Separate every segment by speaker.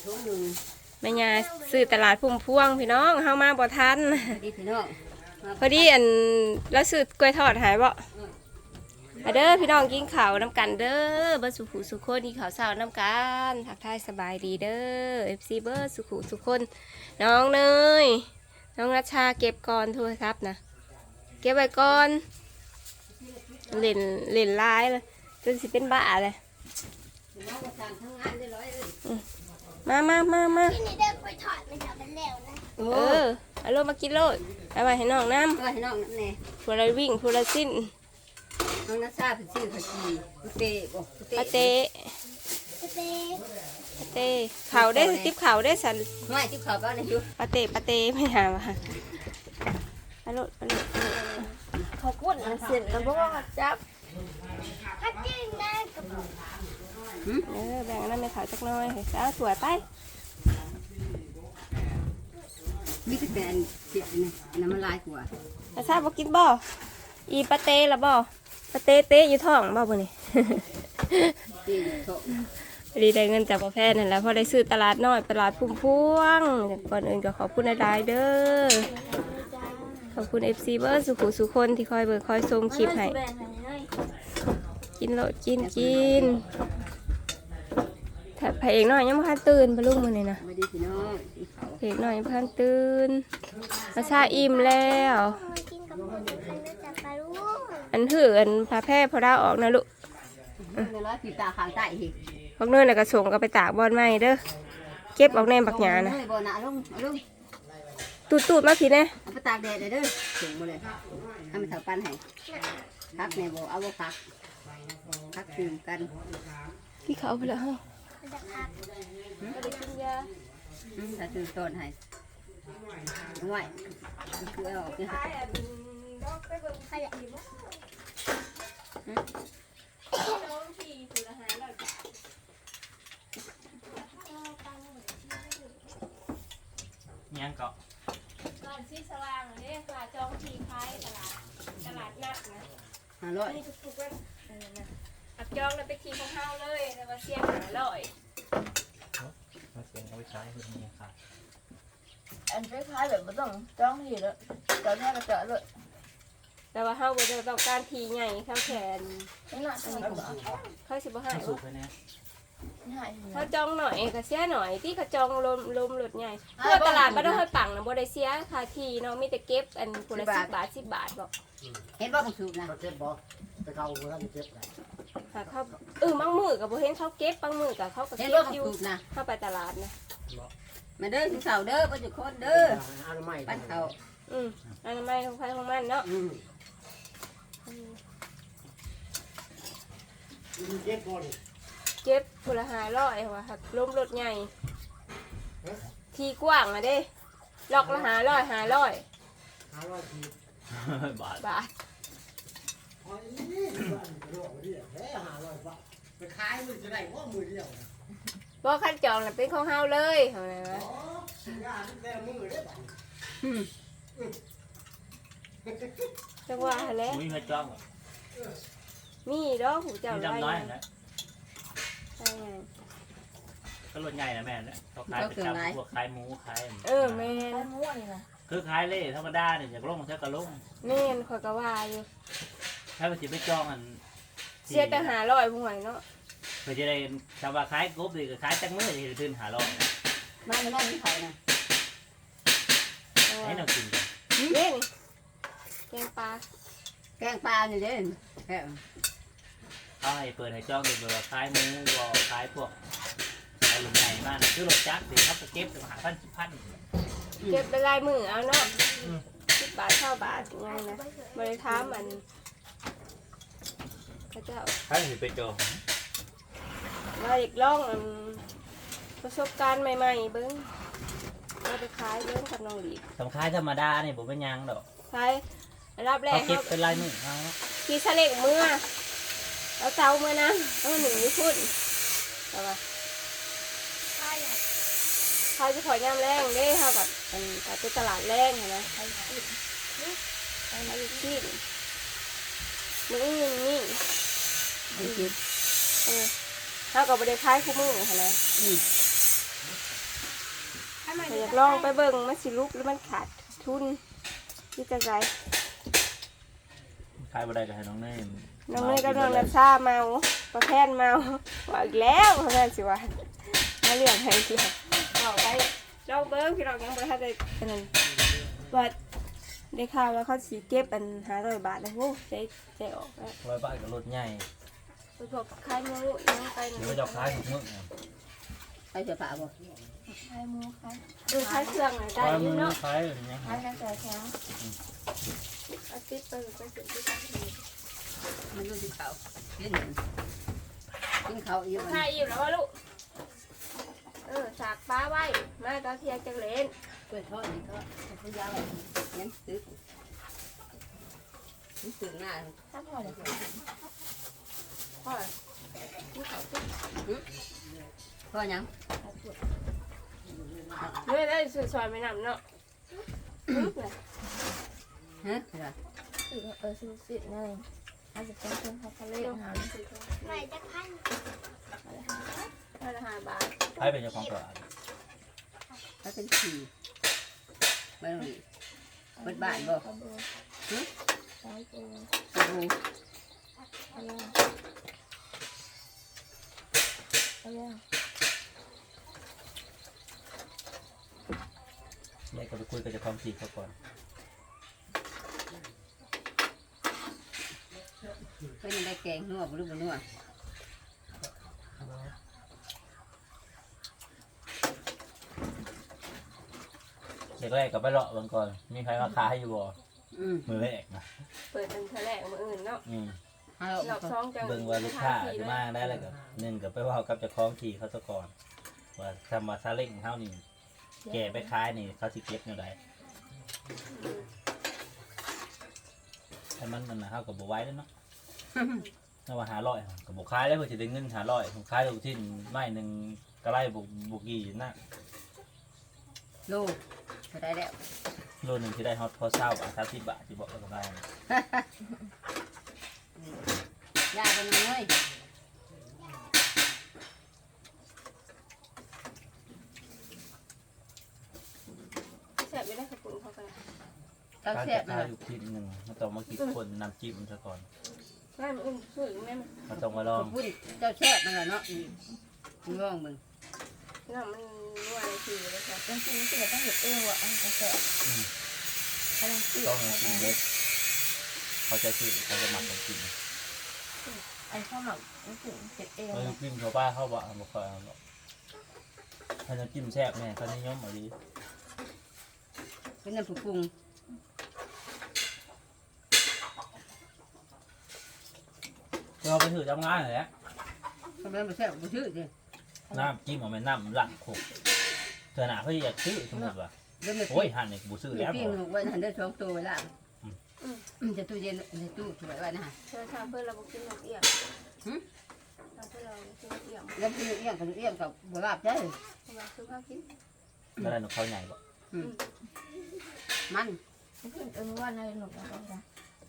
Speaker 1: แม่ยาซื้อตลาดพุ่มพวงพี่น้องเฮามาบ่ทันพอดีอันแล้วซื้อกล้วยทอดหายบ่เด้อพี่น้องกินข้าวน้ำกันเด้อเบอร์สุขุสุขคนกินข้าวเช้าน้ำกันทักทายสบายดีเด้อ FC เบอร์สุขุสุขคนน้องเนยน้องรัชชาเก็บก่อนโทรศัพท์นะเก็บไว้ก่อนเล่นไลน์เลยจนสิเป็นบ้าเลยมา
Speaker 2: ที่นี่เด็กไปถอดมันจะเป็นแล้วนะ
Speaker 1: เอาลูกมากินโลดเอาไปให้น้องน้ำ
Speaker 3: ให้น้องนั่นแน่
Speaker 1: พูละวิ่งพูละสิ้น
Speaker 3: น้องนัชชาเป็นชื่อผักชี
Speaker 1: ปาเต้เขาได้ติ๊บเขาได้สัน
Speaker 3: ไม่ติ๊บเขาก็ในยุ
Speaker 1: ปาเต้ไม่หาว่ะไปโลด
Speaker 2: เขาพูดเสร็จแล้วก็จับฮัตจิ้งได้กับ
Speaker 1: แบ่งนั้นไม่ขาวจักน้อยให้สาวสวยไป
Speaker 3: มีแต่แบนเสียนี่น้ำมันลายกว่า
Speaker 1: แต่ทราบว่ากินบ่อีปาเต้ละบ่ปาเต้อยู่ท้องบ่บ่นี่ดีได้เงินจากพ่อแพทย์นั่นแหละพอได้ซื้อตลาดน้อยตลาดพุ่มพวงก่อนอื่นก็ขอบคุณหลายๆเด้อขอบคุณ FC เบอร์สุขุสุคนที่คอยเบิกคอยชมคลิปให้กินโลดกินถ้าพระเอกน้อยยังไม่ทันตื่นปะลุงมื้อนี้นะพระเอกน้อยยังไม่ทันตื่นมาชาอิ่มแล้วอันถืออันพาแพร่พอดาวออกนะลูกพวกเนื้อน่ะกระส่งก็ไปตากบอลไม้เด้อเก็บออกแนมบักหยานะตูดมาพี่เนี่ย
Speaker 3: เอาไปตากแดดเลยเด้อส่งมาเลยให้มันถาปั้นให้พักในบ่เอาบ่พักคืนกัน
Speaker 1: ที่เขาไปแล้วฮะ
Speaker 3: ก็ได้กินยาถ้าซื้อต้นให้ง่ายคือเอาออกเนี่ย
Speaker 4: ยังเกาะ
Speaker 1: ก่อนที่สว่างเลยค่ะจองทีคล้ายตลาดนัดนะนี่ทุกๆวันอักจองแล้วไปทีของเฮาเลยแต่ว่าเสียง500
Speaker 4: มาเสียงเอาไปใช้คือนี่ค่ะ
Speaker 2: อันคล้ายๆแบบไม่ต้องจ้องทีแล้วจอดแค่กระเจาะเลย
Speaker 1: แต่ว่าเฮาบ่ได้ต้องการทีใหญ่ข้าวแขน
Speaker 2: นี่น่ะอันนี้ก็
Speaker 1: เขาสิบ่ให้
Speaker 4: สูบไปเนี่ย
Speaker 1: เขาจองหน่อยก็เสียหน่อยที่เขาจองลมหลุดใหญ่เพื่อตลาดบ่ได้ให้ปังนะบ่ได้เสียค่าทีเนาะมีแต่เก็บอันคนละ10 บาท10 บาทบ่
Speaker 3: เห็นบ่ของสูบนะ
Speaker 5: เก็บบ่ไปเขาเมื่อเก็บได้
Speaker 1: ค่ะเขาบางมื้อก็บ่เห็นเขาเก็บบางมื้อก็เขาก็เก็บอยู่เข้าไปตลาดนะ
Speaker 3: มาเด้อถึงเสาเด้อบ่จุคนเด้อปั้นเขา
Speaker 1: อันนั้นไม่ของใครของมันเนาะเก็บคนละ500ว่ะครับล้มรถใหญ่ทีกว้างอ่ะเด้ล็อกละ500บาท
Speaker 5: ไปขายมือจะได้ว่ามือเดียว
Speaker 1: บ่คันจองน่ะเป็นของเฮาเลยเฮาไหนวะจังว่าแล้ว
Speaker 4: มีเงินจ้อง
Speaker 1: มีดอกหูเจ้าไร
Speaker 4: นะใช่ก็รถใหญ่นะแม่เนี่ยเขาขายเป็นจับพวกขายหมูขาย
Speaker 1: แม่
Speaker 2: ม้วนนี่นะ
Speaker 4: คือขายเล่ธรรมดาเนี่ยอย่างลงเท่ากับลง
Speaker 1: แม่นข่อยก็ว่าอยู่
Speaker 4: ถ้าไปจิบไปจ้องอัน
Speaker 1: เสียแต่500ผู้หวยเนาะ
Speaker 4: เพื่อจะได้ชาวบ้านขายกบดีก็ขายจังมื้อจะขึ้น500
Speaker 3: มาในบ้านนี่เขานะ
Speaker 4: ให้เรากิน
Speaker 1: นี่แกงปลา
Speaker 3: อยู่เด้
Speaker 4: เขาให้เปิดให้จ้องเป็นแบบขายหมูบ่ขายพวกไอ้หลุมใหญ่มากคือรถจักรเดี๋ยวเขาจะเก็บถึง
Speaker 1: เก็บเป็นลายมือเอาเนาะ10 บาท20 บาทยังไงนะบริท้ามันเขาจะ
Speaker 4: ให้ไปจอง
Speaker 1: มาอีกล่องประสบการณ์ใหม่ๆเบิ้งมาไปขายเบิ้งกับน้องหลีก
Speaker 4: สำคัญธรรมดาเนี่ยผมเป็นยังดอก
Speaker 1: ขายรับแรก
Speaker 4: เก็บเป็นลายมือ
Speaker 1: ขี่เสล็กเมื่อแล้วเจ้าเมื่อนะต้องหนึ่งญี่ปุ่นแต่ว่าเขาจะขอย่ำแรงได้เท่ากับเป็นตลาดแรงเห็นไหมเขาชีดมือนี่เท่ากับบริคล้ายคู่มือเห็นไหมากลองไปเบิ่งมันสิลุกหรือมันขาดทุนที่จะไง
Speaker 4: ขายบ่ได้ก็ให้น้องเนย
Speaker 1: น้องเนยกับน้องนัชชาเมาประแพนเมาว่าอีกแล้วเขาแม่นสิว่ามาเรื่องให้เกี่ยวเอาไปลองเบิ่งพี่น้องยังบ่ทันได้อันนั้นว่าได้ข่าวว่าเขาสิเก็บอัน500 บาทนะโหใจออกแล้ว
Speaker 4: 100 บาทก็รถใหญ่
Speaker 1: ไปพบขายหมูยังไป
Speaker 4: หรือว่าจะขายทุกมื้อ
Speaker 3: ใส่เสื้อผ้าบ่
Speaker 2: ขายหมูขาย
Speaker 1: ขายเครื่องน่ะได้
Speaker 4: ขาย
Speaker 1: อ
Speaker 4: มื้
Speaker 1: ยู่
Speaker 4: อ
Speaker 1: เนาะ
Speaker 4: ขายอย่างเงี้ย
Speaker 2: ขายกระแสแข็ง
Speaker 1: อาทิตย์ไปสิ
Speaker 3: มันอยู่ที่เขากินเขาอีก
Speaker 1: ขายอิ่มแล้วว่าลูกสากปลาไว้มาตอนเที่ยงจังเล่น
Speaker 3: กล้วยทอดนี่ก็เขายาวยังตึกตึกหน้า
Speaker 2: ถ้าพอเลย
Speaker 1: พ่อ
Speaker 3: พ่อยัง
Speaker 1: เมื่อได้ซอยไม่นำเนาะ
Speaker 3: ฮะ
Speaker 2: ซื้อสิบนั่นเองอาจจะเป็นคนเขาเล่นหาไหนจะพัน
Speaker 1: 5 บาท
Speaker 4: ขายเป็นเจ้าของตลาด
Speaker 3: ถ้าเป็นขี่ไม่ต้องเปิดบ้านบ่
Speaker 2: กระเบือสายปู
Speaker 3: ดู
Speaker 2: อะไรอะไร
Speaker 4: ยายก็ไปคุยกับเจ้าของที่เขาก่อน
Speaker 3: ก็ยังได้แกงนัวบ่รู้บ่นัว
Speaker 4: แรกๆก็ไปเลาะเบิ่งก่อนมีใครมาขายอยู่บ่ มือแรกนะ
Speaker 1: เปิดเป็นแถลงมื้ออื่นเนาะ
Speaker 3: ฮัลโหล
Speaker 1: รอบ2จัง
Speaker 4: เบิ่งว่าลูกค้าจะมาได้แล้วก็หนึ่งก็ไปเว่ากับเจ้าของที่เขาซะก่อนว่าทำมาซาเล้งเฮานี่แก่ไปขายนี่เขาสิเก็บแนวใดถ้ามันนั่นน่ะเฮาก็บ่ไหวแล้วเนาะถ้าว่า500ก็บ่ขายแล้วเพิ่นสิได้เงิน500ผมขายลูกชิ้นไม้หนึงก็ไล่บ่กี่นะ
Speaker 3: ลูกก็ได้แล้ว
Speaker 4: โลนึงสิได้ฮอตพอ20บาท30บาทสิบอกก็ได้
Speaker 3: ยายเป็นยังไง
Speaker 1: แซ่บไม่ได้ขอบคุณเขาไป
Speaker 3: ต้อง
Speaker 4: การ
Speaker 3: แซ่บ
Speaker 4: จะ
Speaker 3: นะ
Speaker 4: ขายอยู่ชิ้นหนึงมันต้องมาคิดคนน้ำจิ้มซะก่อน
Speaker 1: แม่มื้ออื่นซื้อแม่
Speaker 4: มันต้องมาลอง
Speaker 3: พูดเจ้าแซ่บมันเนาะมึงลองมึง
Speaker 1: น้ำมันนัวเลยคือเลยค่ะ
Speaker 2: จริงๆสิต้องหยุดเอวอ่ะกระแสกำลังซื้อ
Speaker 4: ต้องมากินเด็ดเขาจะซื้อเขาจะหมักของกิน
Speaker 2: ไอ้ข้าวหมักรู้สึกเจ็บเอว
Speaker 4: เออกินเขาป้าเขาบอกบ่ค่อยเอาหรอกถ้าจะจิ้มแซ่บแม่เขานิยมเอาดี
Speaker 3: เป็นน้ำผุปรุง
Speaker 4: เราไปถือทำงานเลยแหละ
Speaker 3: เขาเป็นแซ่บบ่ชื่อดิ
Speaker 4: น้ำจิ้มเอาไปน้ำหลังโขกเธอหนาเขาอยากซื้อสมมติว่า
Speaker 3: เริ่ม
Speaker 4: โอ้ยหั่นเนี่ยบูซื้อแล้ว
Speaker 3: ปิ้งลูกไว้หันได้2ตัวไว้ละจะตู้เย็นในตู้สวยไว้นะฮะ
Speaker 1: เธอทำเพื่อเรากินนกเอี้ยงทำเพื่อเรากินนกเอี้ยง
Speaker 3: แล้วพี่เอี้ยงกับเอี้ยงกับบัวลาบได้
Speaker 1: เราคือข้าวกิน
Speaker 4: ก็ได้นกเขาใหญ่บ่
Speaker 3: มัน
Speaker 2: ว่าในหนุกนะ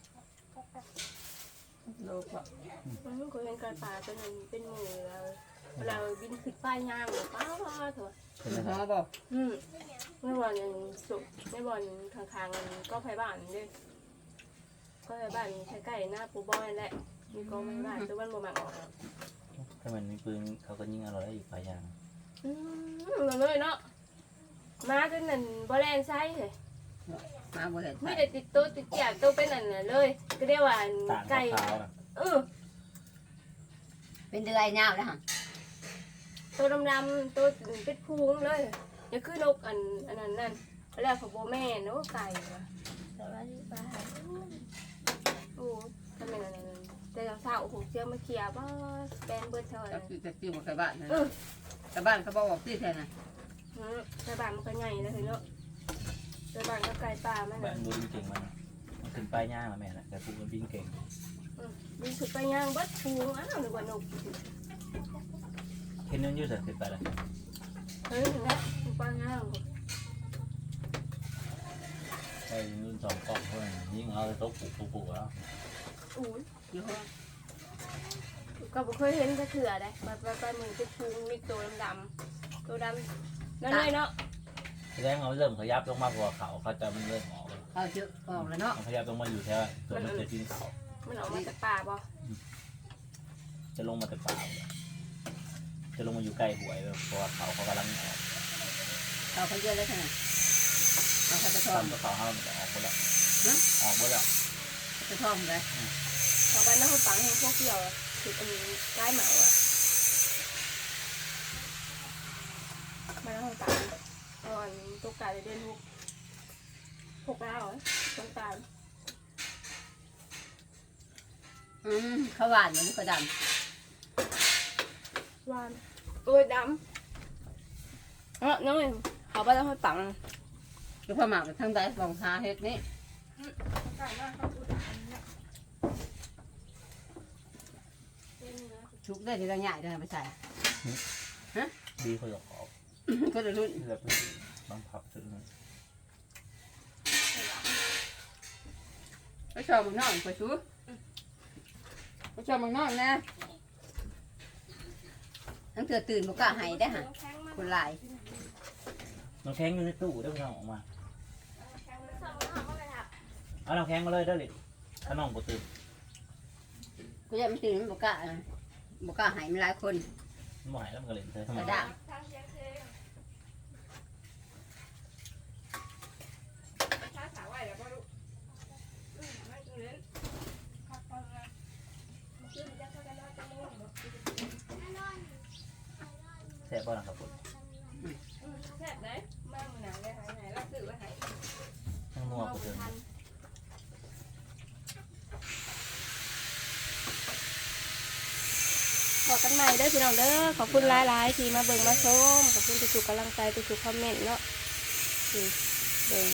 Speaker 2: โลกอ่ะ
Speaker 1: มันก็เป็นการป่าเป็นเป็นหมูเราบินขึ้นป้ายย่างหรือป้าเถอะ
Speaker 4: เป็นยัง
Speaker 3: ห
Speaker 4: ไง
Speaker 3: อบ่
Speaker 1: ไม่บอลยังสุกไม่บอลข้างๆก็ไฟบ้านด้วยก็ไฟบ้านใกล้ๆหน้าปูบอยแหละมีกองไฟบ้านตัวมันบ่มักออก
Speaker 4: ถ้ามันมีปืนเขาก็ยิงอร่อยได้อีกปลายยาง
Speaker 1: เลยเนาะมาจนนั่นบ่แลนไซเลย
Speaker 3: มาบ่เห็น
Speaker 1: ไม่ได้ติดตัวติดแจกตัวเป็นนั่นเลยก็เรียกว่า
Speaker 4: ต่าง
Speaker 1: ไก่
Speaker 4: ขาวๆนะ
Speaker 3: เป็นเดือยยาวนะฮะ
Speaker 1: ตัวดำๆตัวเป็นพุงเลยอย่าคือนกอันนั้นนั่นแล้วเขาโบแม่นกไก่
Speaker 2: แต่ว่าที่บ้าน
Speaker 1: โอ้ทำไมนั่นแต่เช้าโอ้โหเชื่อมาเคลียร์ว่าแบนเบิร์ดเท่าไหร่
Speaker 3: จะติ้วบ่เคยบ้านนะแต่บ้านเขาบอกที่แท้น่ะ
Speaker 1: ใส่บานมันก็ใหญ่แล้วเนาะใส่บานก็ไก่ป่ามัน
Speaker 4: แบบดูเก่งมันถึงปลายย่างแล้วแม่นะแต่พวกมันบินเก่ง
Speaker 1: มีสุดไปย่างเบิดพุงอ้าวหรือว่านก
Speaker 4: เห็นนั่นยืดเสร็จขึ้นไปแล้ว
Speaker 1: เฮ้ยถึงแล้วปลาย่าง
Speaker 4: ไอ้รุ่น2กล่องเท่านั้นยิงเอาโต๊ะปุกแล้ว
Speaker 1: อู้
Speaker 3: อยู่ห้อง
Speaker 1: ก็บ่เคยเห็นจะเถื่อได้มามือเป็นพุงมีตัวดำๆตัวดำนั่นเลยเนาะ
Speaker 4: แสดงเขาเริ่มขยับลงมาหัวเขาจะมันเริ่มออก
Speaker 3: เขาเยอะออกแล้วเนาะ
Speaker 4: มันขยับลงมาอยู่แถวส่วนมันจะกินเขา
Speaker 1: มันออกมาจากป่าบ่
Speaker 4: จะลงมาแต่ป่าจะลงมาอยู่ใกล้หวยเพราะว่าเขากำลังออก
Speaker 3: เขาเยอะเลยขนาดเขาจะทอม
Speaker 4: ตำกับเขามันจะออกหมดแล้วออกหมดแล้ว
Speaker 3: จะทอมเลย
Speaker 1: เขาบ้านน้ำปังให้พวกเกี่ยวคืออันนี้ใกล้เหมาอ่ะบ้านน้ำปังตอนตุกตาเดือน6แล้วตุกตา
Speaker 3: เขาหวานเหมือนกระด
Speaker 1: วานโอ้ยดำน้องเขาบ้านน้ำปัง
Speaker 3: ำแล้วพอหมักทั้งใดลองทาเฮ็ดนี่ชุกได้ทีละใหญ่ได้ไปใส่
Speaker 4: ดีเขาจะออก
Speaker 3: ก็จะรุ่น
Speaker 4: แบบบางผับถึง
Speaker 3: ก็ชอบมึงนอนไปชูก็ชอบมึงนอนนะทั้งเธอตื่นบุกกะหายได้ฮะคนหลาย
Speaker 4: น้ำแข็งอยู่ในตู้ได้พี่น้องออกมาเอาน้ำแข็งมาเลยได้เลยถ้าน้องบ่ตื่น
Speaker 3: กูจะมันตื่นบุกกะหายมันหลายคน
Speaker 4: มันบ่หายแล้วมันก็เล่นเธอทำ
Speaker 3: ก
Speaker 4: ไม
Speaker 3: ระด้าง
Speaker 4: แซ่บบ้างครับผม
Speaker 1: แซ่บได้มากมือหนังได้หายไหนรับสื่อว่าหาย
Speaker 4: ทั้งนัวกูเดิน
Speaker 1: ขอกันใหม่เด้อพี่น้องเด้อขอบคุณหลายๆที่มาเบิ่งมาชมขอบคุณทุกๆกำลังใจทุกๆคอมเมนต์เนาะเบิ่ง